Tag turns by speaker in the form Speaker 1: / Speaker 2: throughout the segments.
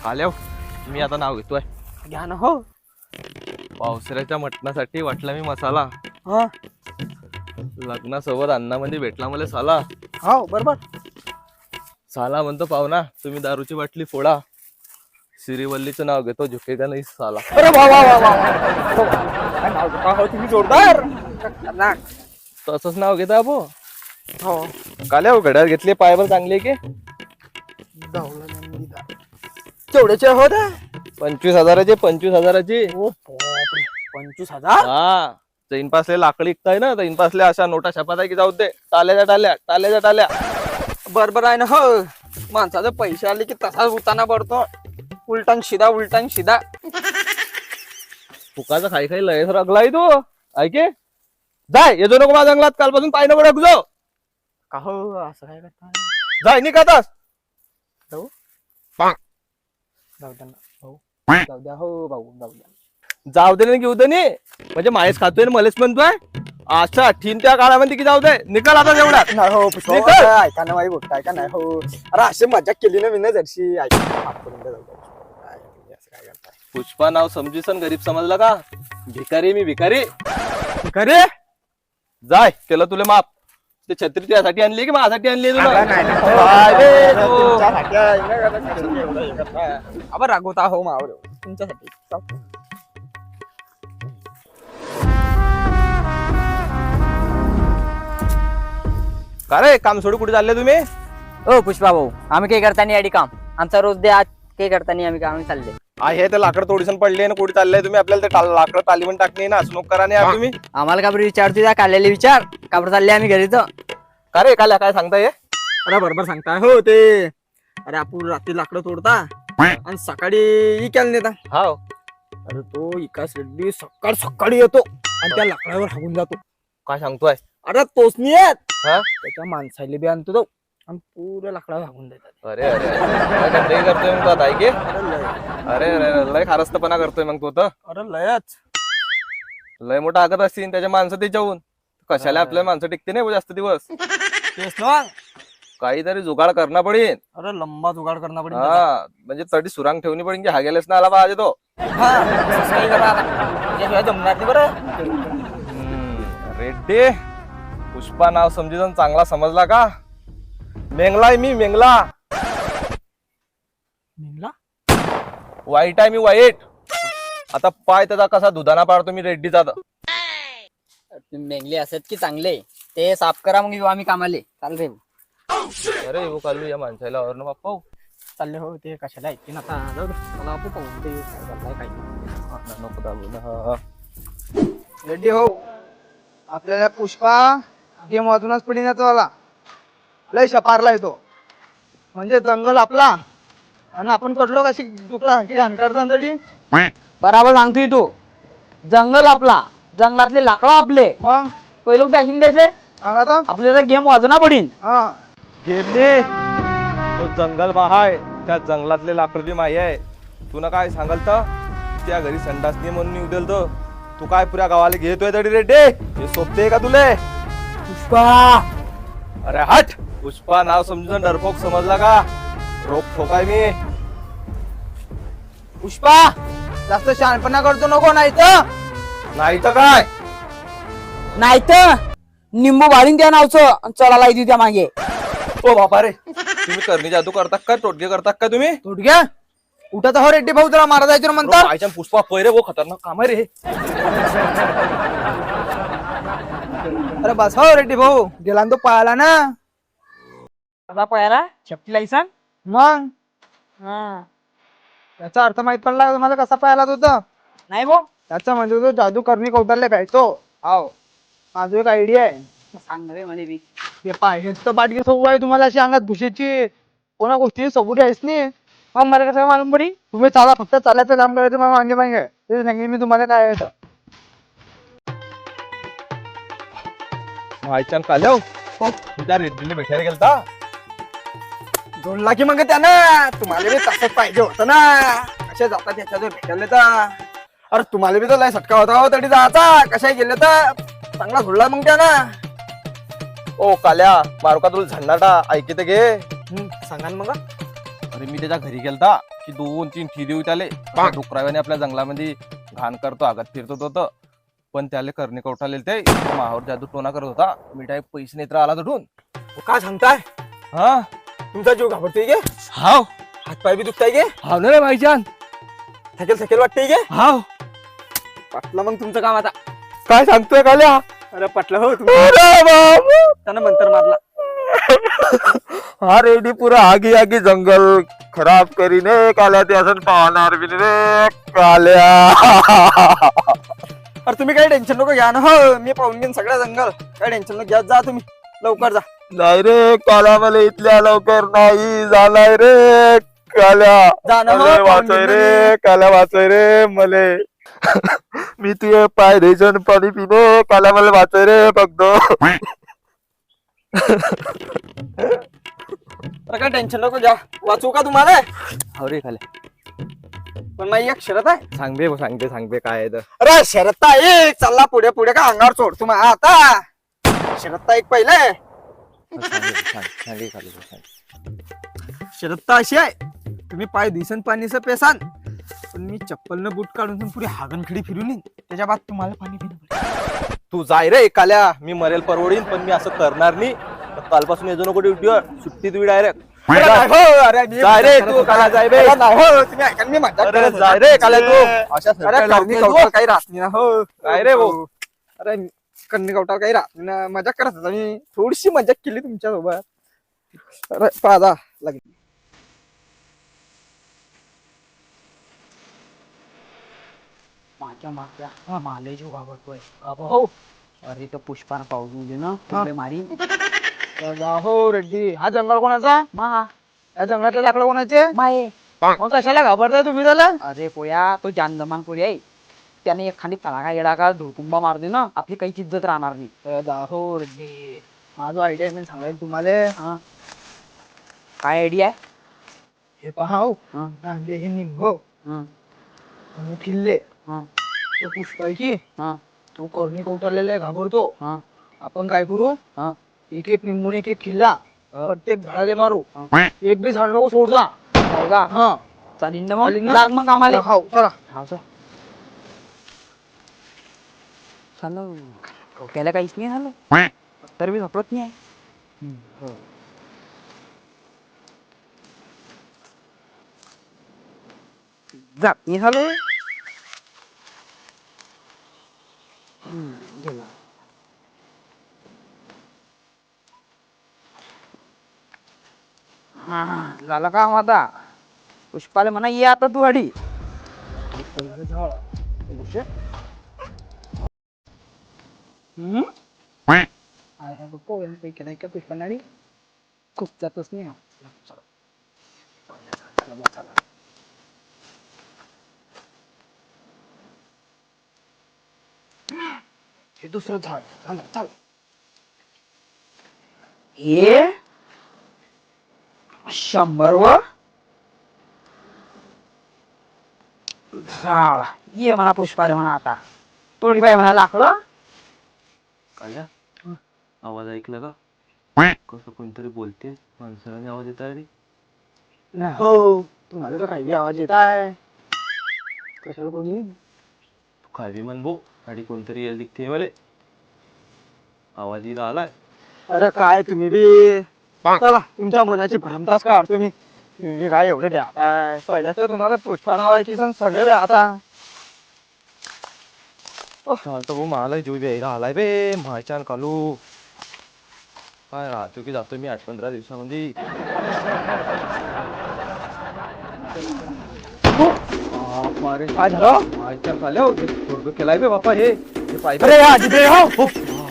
Speaker 1: आल्या मी आता नाव घेतोय.
Speaker 2: घ्या ना हो.
Speaker 1: पावसाळ्याच्या मटणासाठी वाटला मी मसाला.
Speaker 2: हा
Speaker 1: लग्नासोबत अन्नामध्ये भेटला मला साला.
Speaker 2: हो बरोबर.
Speaker 1: साला म्हणतो पाहुणा तुम्ही दारूची बाटली फोडा. सिरीवल्लीचं नाव घेतो झुकेगा नाही साला.
Speaker 2: अरे वा वा वा वा. काय नाव घेता हो तुम्ही जोरदार. खतरनाक.
Speaker 1: तसंच नाव घेता अबो.
Speaker 2: हो
Speaker 1: काल्या हो घड्याळ घेतले पायावर चांगले की
Speaker 2: तेवढ्याचे हो ना.
Speaker 1: 25,000चे 25,000ची.
Speaker 2: ओ बापरे 25,000.
Speaker 1: हा चैन पासले लाकडी इकताय ना चैन पासले अशा नोटा छापात आहे की जाऊ दे. टाल्याच्या टाल्या टाल्याच्या टाल्या.
Speaker 2: बरोबर आहे ना हो. माणसाचे पैसे आले की तसाच उताना पडतो. उलटान शिदा.
Speaker 1: फुकाचा खाई खाई लयच रगलाय तू. ऐके जाय येतो नको माझ्या जंगलात कालपासून पाय नको रगलो.
Speaker 2: का हो असं काय करता.
Speaker 1: जाय नि खातास.
Speaker 2: जाऊ द्या ना भाऊ. जाऊ द्या हो भाऊ जाऊ द्या.
Speaker 1: जाऊ दे ना घेऊ दे नी म्हणजे मायच खातोय ना मलेच म्हणतोय. अच्छा ठीन त्या काळामध्ये की जाऊ दे निकाल आता जेवढ्यात.
Speaker 2: नाही हो पुष्पा
Speaker 1: निकाल.
Speaker 2: ऐका ना बाई गोष्ट ऐका नाही हो. अरे अशी मजा केली ना मी ना जरशी. ऐका माफ करून द्या. जाऊ द्या. काय तुम्ही असं काय करताय.
Speaker 1: पुष्पा नाव समजीसन गरीब समजला का. भिकारी मी भिकारी.
Speaker 2: खरे
Speaker 1: जाय केलं तुला माफ. ते छत्री त्यासाठी आणली की माझ्यासाठी आणली तुला.
Speaker 2: अब रागवता हो मावर तुमच्यासाठी.
Speaker 1: का रे काम सोडू कुठे चालले तुम्ही.
Speaker 3: ओ पुष्पा भाऊ आम्ही काही करता नाही याडी काम. आमचा रोज दे आज काही करता नाही आम्ही काम चालले.
Speaker 1: हे ते लाकड तोडीसन पडले ना कुठे चाललंय तुम्ही. आपल्याला ते लाकड तालीमन टाकणे ना असं नको करा नाही यार तुम्ही.
Speaker 3: आम्हाला का बरं विचारतो त्या काढलेले विचार का बरं चालले आम्ही घरी तर.
Speaker 1: का रे काल्या काय सांगताय.
Speaker 2: अरे बरोबर सांगताय हो ते. अरे आपण रात्री लाकडं तोडता आणि सकाळी इकायला नेता.
Speaker 1: हाव
Speaker 2: अरे तो इकास रेड्डी सकाळी येतो आणि त्या लाकडावर हागून जातो.
Speaker 1: काय सांगतोय.
Speaker 2: अरे तोच नाही येत.
Speaker 1: हा
Speaker 2: त्याच्या माणसाला बी आणतो तो आणि पुऱ्या लाकडावर हागून देतात.
Speaker 1: अरे अरे काय गंदगी करतोय मग तो आता ऐके.
Speaker 2: अरे लय
Speaker 1: अरे अरे लय खारस्तपणा करतोय मग तो तर.
Speaker 2: अरे लयच.
Speaker 1: लय मोठा आगत असतील त्याच्या माणसं त्याच्याहून. कशाला आपल्या माणसं टिकते नाही जास्त दिवस.
Speaker 2: तेच ना.
Speaker 1: काहीतरी जुगाड करणं पडेल.
Speaker 2: अरे लंबा जुगाड करना पडेल.
Speaker 1: हा म्हणजे तडी सुरांग ठेवणी पडेल की हा गेलेच ना आला पाहिजे तो.
Speaker 2: हा तसंच काही करा आता. याशिवाय जमणार नाही बरं.
Speaker 1: रेड्डी पुष्पा नाव समजून चांगला समजला का. मेंगलाय मी मेंगला.
Speaker 2: निघला.
Speaker 1: वाईट आहे मी वाईट. आता पाय त्याचा कसा दुधाना पाडतो मी रेड्डीचा.
Speaker 3: तुम्ही मेंगले असत की चांगले ते साफ करा मग येऊ आम्ही कामाले. चाल रे
Speaker 1: अरे वो कालू या माणसाला और ना बाप्पा.
Speaker 2: चालले हो ते कशाला ऐकते ना आता. जाऊ दे. मला आपण पाहून ते काय चाललंय काय नाही.
Speaker 1: नको दाबू ना.
Speaker 2: रेड्डी हो. आपल्याला पुष्पा गेम वाजूनच पडिण्याचा वाला लय शपारला येतो. म्हणजे जंगल आपला आणि आपण कडलो कशी दुखला की अंतरतरी.
Speaker 3: बराबर सांगतोय तू. जंगल आपला जंगलातले लाकडं आपले.
Speaker 2: मग
Speaker 3: पहिले पॅकिंग द्यायचे
Speaker 2: आता
Speaker 3: आपल्याला गेम वाजना पडीन.
Speaker 2: हा
Speaker 1: घेतले तो जंगल महाय. त्या जंगलातले लाकड बी माही आहे. तुला काय सांगाल तर त्या घरी संडास नाही म्हणून येऊ दिल तो. तू काय पुऱ्या गावाला घेतोय तरी रेड्डी. हे सोपते का तुले.
Speaker 2: पुष्पा.
Speaker 1: अरे हट. पुष्पा नाव समजून डरपोक समजला का. रोख ठोकाय मी.
Speaker 2: पुष्पा जास्त शहाणपणा करतो नको नाही तर.
Speaker 1: नाही तर काय.
Speaker 3: नाही तर निंबू भाडीन त्या नावचं चढायला येते त्या मागे.
Speaker 1: ओ बापा रे तुम्ही करणी जादू करतात का टोटके करतात का तुम्ही.
Speaker 2: घ्या उठा तर हो रेड्डी भाऊ तुला मारा जायचं म्हणतात.
Speaker 1: आयच्या पुष्पा पैरे वो खतरनाक काम आहे रे.
Speaker 2: अरे बस हो रेड्डी भाऊ गेला ना तो पळाला ना.
Speaker 3: कसा पळाला छपटी लायसन.
Speaker 2: मग
Speaker 3: हा
Speaker 2: याचा अर्थ माहित पडला तुम्हाला कसा पळाला तो तर.
Speaker 3: नाही भाऊ
Speaker 2: त्याचा म्हणजे तो जादू करणी कौतारले पाहिजे. हाव माझं एक आयडिया आहे.
Speaker 3: सांग रे मध्ये बी.
Speaker 2: ते पाहिजे तर बाटकी सबूत आहे तुम्हाला अशी अंगात भुशीची. कोणा गोष्टी सबूत आहेच नाही. मग मला कसं मालूम पडी. तुम्ही चाला फक्त चालायचं काम करायचं मग मागे मागे ते सांगेन मी तुम्हाला काय आहे.
Speaker 1: आयच्या काल्या त्या रेड्डीने भेटायला गेलता.
Speaker 2: जोडला की मग त्यानं तुम्हाला बी तसंच पाहिजे होतं ना. कशा जाता त्याच्याजवळ भेटायला तर. अरे तुम्हाला बी तर लय सटका होता हो तरी जायचा. कशा गेले तर चांगला झोडला मग त्यानं.
Speaker 1: ओ काल्या मारू का तुला झंडाटा ऐकित घे.
Speaker 2: सांगा ना मग.
Speaker 1: अरे मी त्याच्या घरी गेलता की 2-3 ठिदी होते त्याले डुकराव्याने आपल्या जंगलामध्ये घाण करतो आगात फिरतो होतं पण त्याला करणे कवटाले ते माहावर जादू टोना करत होता मी डायरेक्ट पैसे नेत्र आला तडून.
Speaker 2: काय सांगताय
Speaker 1: हा
Speaker 2: तुमचा जीव घाबरतोय गे
Speaker 1: हाव
Speaker 2: हातपाय बी दुखताय गे
Speaker 1: हाव ना रे भाईजान
Speaker 2: थकेल थकेल वाटतंय गे
Speaker 1: हाव
Speaker 2: पटलं मग तुमचं काम आता.
Speaker 1: काय सांगतोय काल्या
Speaker 2: अरे पटलं हो तुम्ही
Speaker 1: अरे बाबा
Speaker 2: त्यानं मंतर मारला.
Speaker 1: हा रेडी पुरा आगी आगी जंगल खराब करीने काल्या ते असं पाहणार बी नाही रे काल्या.
Speaker 2: अरे तुम्ही काही टेन्शन नको घ्या ना हो मी पाहून घेईन सगळं जंगल काही टेन्शन नको घ्या जा तुम्ही लवकर जा.
Speaker 1: नाही रे काल्या मला इथल्या लवकर नाही झालाय रे काल्या
Speaker 2: जा ना हो,
Speaker 1: अरे
Speaker 2: पाहून
Speaker 1: वाचय
Speaker 2: घेईन
Speaker 1: रे काल्या वाचय रे मले मी तुझे पाय द्यायचं पाणी पिणे काल्या मला वाचय रे फक्त.
Speaker 2: अरे काय टेन्शन नको घ्या वाचू का तुम्हाला
Speaker 1: हो रे काल्या
Speaker 2: पण नाही एक शरत आहे.
Speaker 1: सांगते काय आहे तर.
Speaker 2: अरे शरत आहे चालला पुढे पुढे का अंगावर सोड तुम्हाला आता शरत एक पहिले शरत अशी आहे तुम्ही पाय दिसन पाणीचं पेसान पण मी चप्पल न बूट काढून पुढे हागणखडी फिरून येईन त्याच्या बाद तुम्हाला पाणी पिणं.
Speaker 1: तू जाय रे काल्या मी मरेल परवडीन पण मी असं करणार नाही. कालपासून येतो नको ड्युटीवर सुट्टी तुम्ही डायरेक्ट जाय रे तू काल्या जाय बे
Speaker 2: तुम्ही ऐका मी मजाक
Speaker 1: अरे
Speaker 2: करत
Speaker 1: जाय रे काल्या तू अशा
Speaker 2: अरे
Speaker 1: सरकायला
Speaker 2: करणी
Speaker 1: लावते
Speaker 2: कवटाळ
Speaker 1: तू.
Speaker 2: काही राहत नाही ना हो
Speaker 1: काय रे भाऊ?
Speaker 2: अरे कन्नी कवटाळ काही राहत नाही ना मजाक करत होता मी थोडीशी मजाक केली तुमच्या सोबत. अरे पाजा लागली
Speaker 3: माझ्या मागच्या माले जीव घाबरतोय हो. अरे तो पुष्पानं पाऊस दे ना तिकडे मारी
Speaker 2: हो रेड्डी हा जंगल कोणाचा
Speaker 3: मा
Speaker 2: या जंगलातले लाकडं कोणाचे
Speaker 3: माये.
Speaker 2: मग कशाला घाबरताय तुम्ही त्याला.
Speaker 3: अरे पोया तो जानजमान पोरी आहे त्याने एखादी तडाखा येडाका धुळकुंबा मार दे ना आपली काहीच इज्जत राहणार नाही.
Speaker 2: हो रेड्डी माझा आयडिया मी सांगायला तुम्हाला
Speaker 3: हा काय आयडिया आहे.
Speaker 2: हे पहा हो
Speaker 3: हा,
Speaker 2: नांदे हे निंबो
Speaker 3: हा,
Speaker 2: आणि किल्ले
Speaker 3: हा,
Speaker 2: तो पुष्पायची
Speaker 3: हा,
Speaker 2: तो करणी कवटाळलेला घाबरतो.
Speaker 3: हा,
Speaker 2: आपण काय करू
Speaker 3: हा.
Speaker 2: एक एक निंबून एक एक किल्ला प्रत्येक झाडाले मारू एक बी झाड नको सोडता.
Speaker 3: हो का?
Speaker 2: हा
Speaker 3: चालेल ना मग
Speaker 2: चालेल ना?
Speaker 3: लाग मग आम्हाला
Speaker 2: हो चला
Speaker 3: हा सर झालं डोक्याला काहीच नाही झालं तर बी झपडत नाही आहे. जात नाही झालं गेला. हा झालं काम आता पुष्पाला म्हणा ये आता तू अडी
Speaker 2: पुष्पनाडी
Speaker 3: खूप जातच नाही
Speaker 2: हे दुसरं झाड चाल चाल
Speaker 3: हे 100 वर झाड ये म्हणा पुष्पाला म्हणा आता थोडी बाई म्हणा लाकडं
Speaker 1: काल्या आवाज ऐकला का कसं कोणतरी बोलते माणसाने आवाज येत रे.
Speaker 2: नाही हो तुम्हाला तर काही आवाज येत आहे कशाला कोणी
Speaker 1: काय बी म्हण भो गाडी कोणतरी येईल दिखते मले आवाज येईल आलाय.
Speaker 2: अरे काय तुम्ही बी चला तुमच्या मनाची भ्रमतास का तुम्ही तुम्ही काय एवढे द्या पहिल्या तर तुम्हाला पुष्पा नावाची सण सगळे द्या आता
Speaker 1: चालतो भाऊ मला जीव यायला आलाय बे मायच्यान कालू काय राहतो की जातो मी 8-15 दिवसामध्ये.
Speaker 2: अरे काय झालं
Speaker 1: मायच्यान काले हो थोडं केलाय बे बापा हे पाहिजे.
Speaker 2: अरे या जिथे हो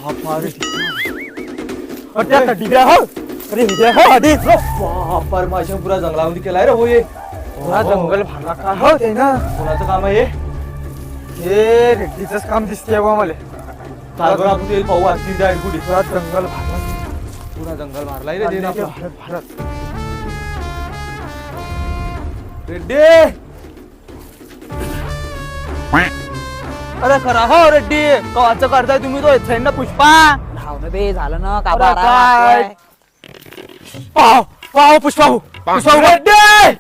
Speaker 2: त्या डिग्या हो अरे विजय हो आधी
Speaker 1: बापर माझ्या पुरा जंगलामध्ये केलाय रे हो हे
Speaker 2: पुरा जंगल भाडा का हो ते ना
Speaker 1: कोणाचं काम आहे
Speaker 2: हे रेड्डीच काम दिसते बा मला
Speaker 1: तालभर आपण येईल पाहू आणखी द्या कुठे
Speaker 2: पुरा जंगल भाडा
Speaker 1: पुरा जंगल मारलाय रे
Speaker 2: भारत
Speaker 1: आपलं.
Speaker 2: भारत
Speaker 1: रेड्डी
Speaker 2: अरे खरा हो रेड्डी कवाचं करताय तुम्ही तो इथे ना पुष्पा
Speaker 3: धावणं बे झालं ना का
Speaker 2: अरे
Speaker 3: बारा
Speaker 2: काय?
Speaker 3: वाजताय.
Speaker 2: पाव पाव पुष्पा हो
Speaker 1: रेड्डी!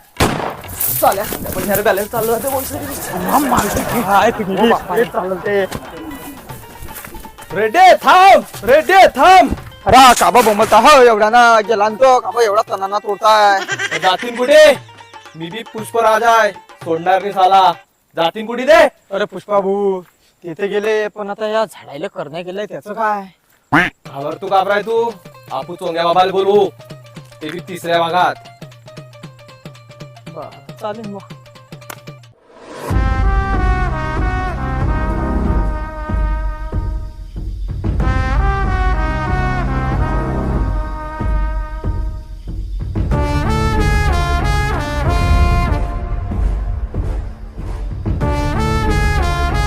Speaker 1: रेड्डी थांब, रेड्डी थांब.
Speaker 2: अरे काबा बोंबलता हो एवढा ना गेला न तो काबा एवढा तणाना तोडताय.
Speaker 1: जातीन कुठे? मी बी पुष्पराज आहे, सोडणार नाही साला. जातीन कुठे दे?
Speaker 2: अरे पुष्पा भाऊ तिथे गेले पण आता या झाडायला करण्या गेलंय त्याचं काय.
Speaker 1: घाबर तू घाबराय तू. आपू चोंग्या बाबाला बोलवू, ते बी तिसऱ्या भागात.
Speaker 2: चालेल मग.